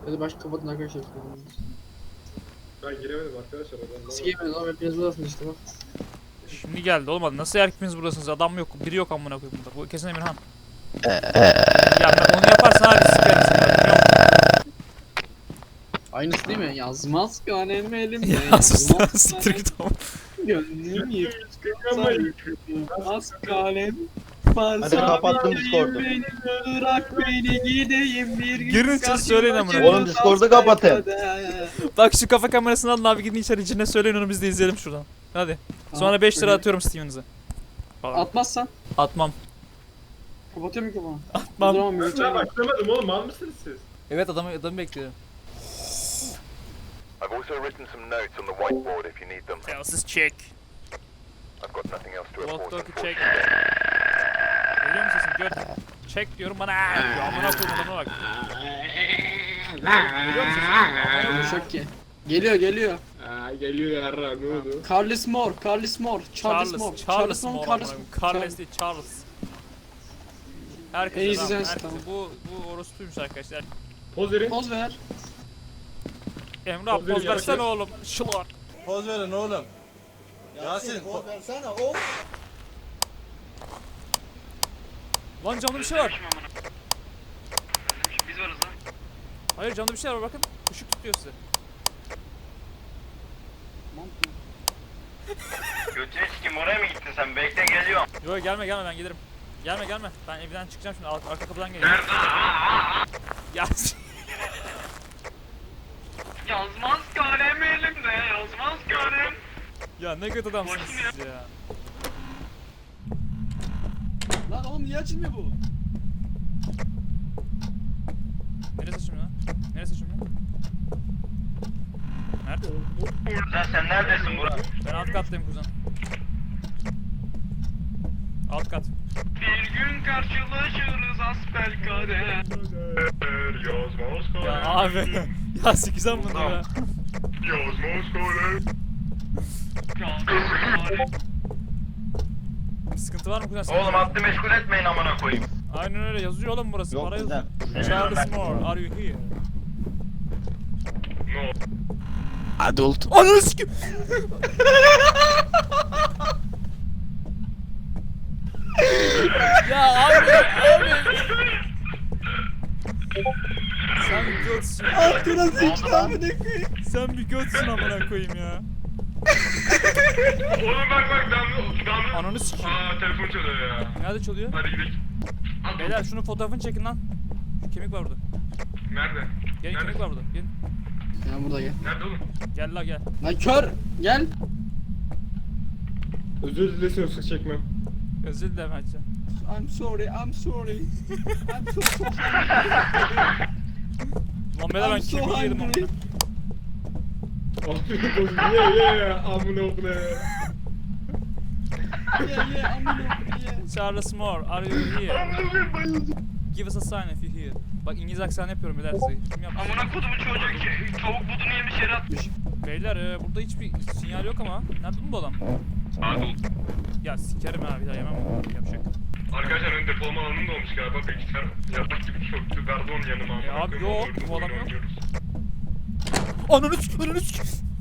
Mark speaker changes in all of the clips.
Speaker 1: Ya da başka kapatın arkadaşlar.
Speaker 2: Ben giremedim arkadaşlar.
Speaker 1: Sigemedim ama hepiniz buradasınız işte bak.
Speaker 3: Şimdi geldi olmadı. Nasıl hepimiz buradasınız? Adam yok. Biri yok amına koyayım burada. Bu kesin Emirhan. Ya onu yaparsan abi sikerim seni.
Speaker 1: Aynısı değil mi? Yazmaz kanem elimde.
Speaker 3: Ya sus lan siktir git ama.
Speaker 1: Gönlüm yıkılmaz kalem.
Speaker 4: Hadi kapattım Discord'u.
Speaker 1: Bırak beni gideyim bir gün.
Speaker 3: Girin siz söyleyin amına.
Speaker 4: Oğlum Discord'u kapatın.
Speaker 3: Bak şu kafa kamerasını alın abi gidin içeri içine söyleyin onu biz de izleyelim şuradan. Hadi. Sonra 5 lira atıyorum Steven'ınıza.
Speaker 1: Atmazsan
Speaker 3: Atmam.
Speaker 1: kapatıyor mikrofonu.
Speaker 3: Atmam.
Speaker 1: Tamam bir
Speaker 2: Ben başlamadım oğlum, mal mısınız siz?
Speaker 3: Evet adamı bekliyorum.
Speaker 5: I've also written some notes on the whiteboard if you need them.
Speaker 3: Telsiz check.
Speaker 5: I've got nothing else to report.
Speaker 3: Walk talkie check. Geliyor mu sesin? Gör. Check diyorum bana. Diyor. Amına koyayım adamına bak. Geliyor mu sesin?
Speaker 1: Konuşak ki. Geliyor.
Speaker 2: Geliyor yarra, ne oldu?
Speaker 1: Carlos Moore. Charles Moore,
Speaker 3: Carlos
Speaker 1: Carlos
Speaker 3: Carlos
Speaker 1: Moore.
Speaker 3: Carlos değil Charles. Herkes
Speaker 1: En iyisi
Speaker 3: adam,
Speaker 1: sensin,
Speaker 3: herkes.
Speaker 1: tamam.
Speaker 3: Bu orospuymuş arkadaşlar.
Speaker 2: Poz verin.
Speaker 1: Poz ver.
Speaker 3: Emre abi poz versene oğlum. Şılar.
Speaker 6: Poz verin oğlum. Yasin.
Speaker 3: Lan canlı bir şey var.
Speaker 7: Biz varız lan.
Speaker 3: Hayır canlı bir şey var bakın. Işık tutuyor size.
Speaker 7: Götünü sikim, oraya mı gittin sen? Bekle, geliyorum.
Speaker 3: Yok gelme ben gelirim. Gelme. Ben evden çıkacağım şimdi arka kapıdan geleceğim. Ya
Speaker 7: Yazmaz kalem elimde, yazmaz kalem.
Speaker 3: ya ne kötü adamsınız siz ya.
Speaker 1: Lan oğlum niye açılmıyor bu?
Speaker 3: Neresi şimdi lan? Nerede?
Speaker 7: Sen neredesin Burak?
Speaker 3: Ben alt kattayım kuzen. Alt kat.
Speaker 7: Bir gün karşılaşırız asbelkader.
Speaker 2: Yazmaz
Speaker 3: Ya abi. Ya sikeceğim bunu ya.
Speaker 2: Yazmaz kalem.
Speaker 3: Bir sıkıntı var mı kuzen?
Speaker 7: Oğlum hattı meşgul etmeyin amına koyayım.
Speaker 3: Aynen öyle yazıyor oğlum burası.
Speaker 4: Yok
Speaker 3: Para yazıyor.
Speaker 4: bizden.
Speaker 3: Charles Moore, are you here?
Speaker 2: No.
Speaker 1: Adult.
Speaker 3: Ananı sikim. Ya abi. Sen bir götsün.
Speaker 1: Altına sıçtı amına koyayım.
Speaker 3: Sen bir götsün amına koyayım ya.
Speaker 2: Oğlum bak damla.
Speaker 3: Ananı sikeyim.
Speaker 2: Telefon çalıyor ya.
Speaker 3: Nerede çalıyor?
Speaker 2: Hadi gidelim.
Speaker 3: Beyler şunun fotoğrafını çekin lan. Şu kemik var burada.
Speaker 2: Nerede?
Speaker 3: Gelin
Speaker 2: Nerede?
Speaker 3: kemik var burada. Gelin.
Speaker 1: Ya burada gel.
Speaker 2: Nerede oğlum?
Speaker 3: Gel la gel.
Speaker 1: Lan kör. Gel.
Speaker 2: Özür dilesin yoksa çekmem.
Speaker 3: Özür dilerim Hacı.
Speaker 1: I'm sorry. I'm so sorry.
Speaker 3: Lan beyler ben
Speaker 1: I'm so
Speaker 3: kemiği yedim
Speaker 1: hungry.
Speaker 3: amına.
Speaker 2: Afiyet olsun. Ye amına okuna ya.
Speaker 1: Yeah, amına koyayım.
Speaker 3: Charles Moore, are you here? Give us a sign if you're here. Bak İngiliz aksanı yapıyorum beyler size. Kim yaptı?
Speaker 7: Amına kodumu çocuk ki tavuk budunu yemiş yere atmış.
Speaker 3: Beyler burada hiçbir sinyal yok ama. Nerede bu adam? Ya sikerim ha bir daha yemem. Yapacak.
Speaker 2: Arkadaşlar ön depolama alanım da olmuş galiba. Bilgisayar yatak gibi çöktü. Verdi onun yanıma.
Speaker 3: Ya
Speaker 2: amına
Speaker 3: abi
Speaker 2: koyayım,
Speaker 3: yok,
Speaker 2: oynuyoruz,
Speaker 3: bu adam
Speaker 2: oyun
Speaker 3: yok.
Speaker 2: oynuyoruz.
Speaker 3: Ananı sik.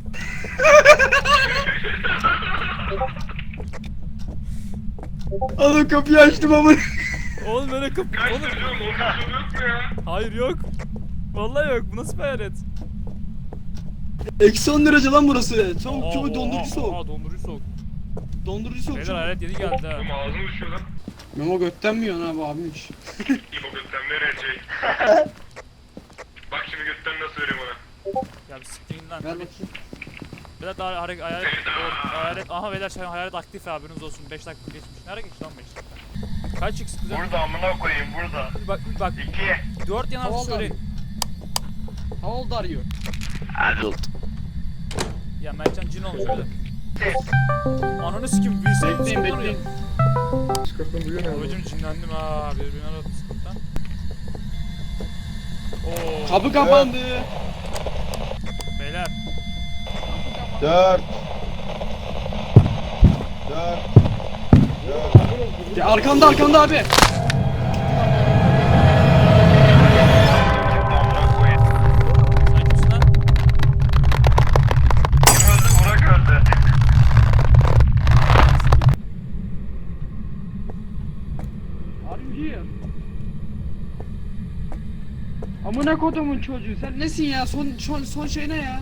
Speaker 1: Oğlum kapıyı açtım amına.
Speaker 3: Oğlum böyle kapı.
Speaker 2: Kaç
Speaker 3: Oğlum.
Speaker 2: çocuğum? Onun çocuğu yok mu ya?
Speaker 3: Hayır yok. Vallahi yok. Bu nasıl bir hayalet?
Speaker 1: Eksi 10 derece lan burası. Soğuk çok dondurucu soğuk.
Speaker 3: Dondurucu soğuk.
Speaker 1: Dondurucu soğuk.
Speaker 3: Beyler
Speaker 1: çok.
Speaker 3: hayalet yeni geldi ha.
Speaker 2: Oğlum ağzım düşüyor lan.
Speaker 1: Memo götten mi yiyorsun abi abimmiş?
Speaker 2: İbo götten verecek. Bak şimdi götten nasıl vereyim ona.
Speaker 3: Ya bir siktirin lan.
Speaker 1: Ver bakayım.
Speaker 3: Beyler daha hayalet. Aha beyler şey hayalet aktif haberiniz olsun. 5 dakika geçmiş. Nereye geçti lan 5 dakika? Kaç x güzel.
Speaker 7: Burada amına koyayım, burada.
Speaker 3: Bak
Speaker 7: 2.
Speaker 3: 4 yanar
Speaker 1: Havalı
Speaker 3: söyleyin.
Speaker 1: How old are you?
Speaker 3: Ya Mertcan cin olmuş öyle. Ananı sikim bilseydim
Speaker 1: Bekleyin
Speaker 3: sıkıntı
Speaker 1: bekleyin.
Speaker 2: Çıkartın duyuyor ne
Speaker 3: Babacım cinlendim ha. Birbirine aradı sıkıntıdan. Oo.
Speaker 1: Kapı kapandı.
Speaker 3: Beyler.
Speaker 4: 4
Speaker 1: Ya arkanda abi.
Speaker 7: Amına koyayım.
Speaker 1: Amına kodumun çocuğu sen nesin ya? Son şey ne ya?